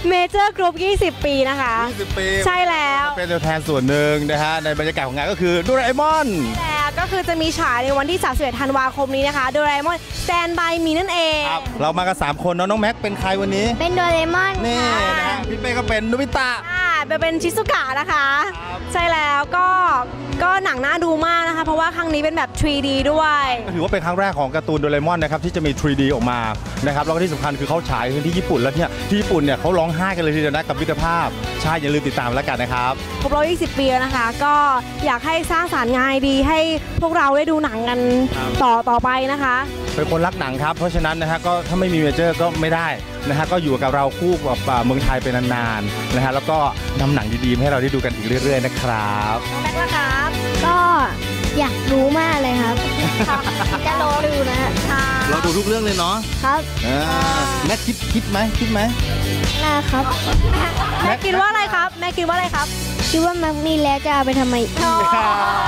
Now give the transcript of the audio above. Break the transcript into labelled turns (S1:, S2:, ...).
S1: เมเจอร์กรุ๊ป20 ปีนะคะ
S2: 20 ปี
S1: ใช่แล้ว
S2: เป็นตัวแทนส่วนหนึ่งนะฮะในบรรยากาศของงานก็คือโดราเอมอน
S1: แล้วก็คือจะมีฉายในวันที่31ธันวาคมนี้นะคะโดราเอมอน Stand by Me นั่นเอง
S2: เรามากัน3คนน้องแม็กเป็นใครวันนี้
S3: เป็นโดราเอมอน
S2: นี่นะฮะพี่เป้ก็เป็นโนบิตะ
S1: เป็นชิซุกะนะคะใช่แล้วก็หนังน่าดูมากนะคะเพราะว่าครั้งนี้เป็นแบบ 3D ด้วย
S2: ถือว่าเป็นครั้งแรกของการ์ตูนโดราเอมอนนะครับที่จะมี 3D ออกมานะครับแล้วก็ที่สำคัญคือเขาฉายที่ญี่ปุ่นแล้วเนี่ยที่ญี่ปุ่นเนี่ยเขาร้องไห้กันเลยทีเดียวนะกับมิตรภาพใช่อย่าลืมติดตามแล้วกันนะครับ
S1: ครบรอบ20 ปีแล้วนะคะก็อยากให้สร้างสรรค์งานดีให้พวกเราได้ดูหนังกันต่อไปนะคะ
S2: เป็นคนรักหนังครับเพราะฉะนั้นนะฮะก็ถ้าไม่มีเมเจอร์ก็ไม่ได้นะฮะก็อยู่กับเราคู่กับเมืองไทยเป็นนานๆนะฮะแล้วก็นำหนังดีๆให้เราได้ดูกันอีกเรื่อยๆนะครับ
S1: น้องแม็กซ์นะครับ
S3: ก็อยากรู้มากเลยครับจะรอดูนะ
S2: เราดูทุกเรื่องเลยเนาะ
S3: ครับ
S2: แม็กคิดไหม
S3: นะครับ
S1: แม็กคิดว่าอะไรครับแม็กคิดว่าอะไรครับ
S3: คิดว่าแม็กมีแล้วจะเอาไปทำไม